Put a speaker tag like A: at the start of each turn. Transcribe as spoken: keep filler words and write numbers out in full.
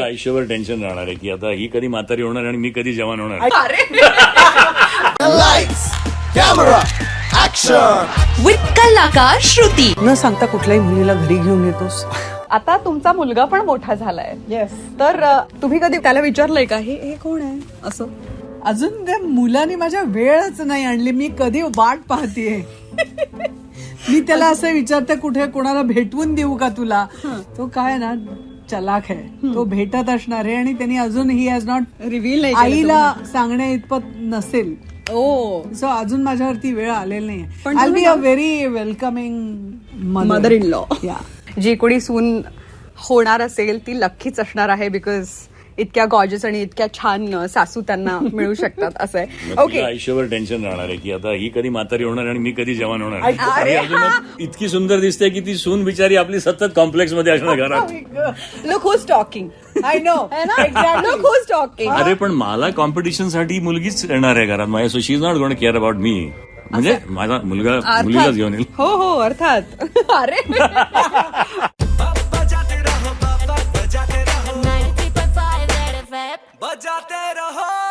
A: आयुष्यभर टेन्शन राहणार आहे की आता ही कधी म्हातारी होणार आणि मी कधी जवान होणार.
B: लाइट्स कॅमेरा ऍक्शन
C: विथ कलाकार श्रुती.
D: न सांगता कुठल्याही मुलीला घरी घेऊन येतोस.
E: आता तुमचा मुलगा पण मोठा झालाय.
D: येस.
E: तर अ, तुम्ही कधी त्याला विचारलंय का हे हे कोण आहे असं?
D: अजून त्या मुलाने माझ्या वेळच नाही आणली. मी कधी वाट पाहतीये. मी त्याला असं विचारते कुठे कोणाला भेटवून देऊ का तुला. तो काय ना चलाक आहे. तो भेटत असणार आहे आणि त्यांनी अजून ही हॅज नॉट
E: रिव्हील नाही
D: आईला सांगण्या इतपत नसेल.
E: ओ
D: सो अजून माझ्यावरती वेळ आलेली नाही.
E: पण
D: आय
E: तुम्ही
D: बी अ
E: ना-
D: very welcoming
E: mother in law.
D: या
E: जी कोणी सून होणार असेल ती लक्कीच असणार आहे. बिकॉज इतक्या गॉर्जस आणि इतक्या छान अ, सासू त्यांना मिळू शकतात असं आहे.
A: मग
E: ओके
A: तुझं आयुष्यभर टेन्शन राहणार आहे की आता ही कधी म्हातारी होणार आणि मी कधी जवान होणार.
D: अरे
A: आणि अजून मग इतकी सुंदर दिसते की ती सून बिचारी आपली सतत कॉम्प्लेक्स मध्ये असणार घरात.
E: Look who's talking.
D: I know.
E: Look who's talking.
A: अरे पण मला कॉम्पिटिशन साठी मुलगीच येणार आहे घरात माझ्या. So she is not going to care about me. म्हणजे माझा मुलगा मुलीलाच घेऊन येईल.
E: हो हो अर्थात. अरे
B: बजाते रहो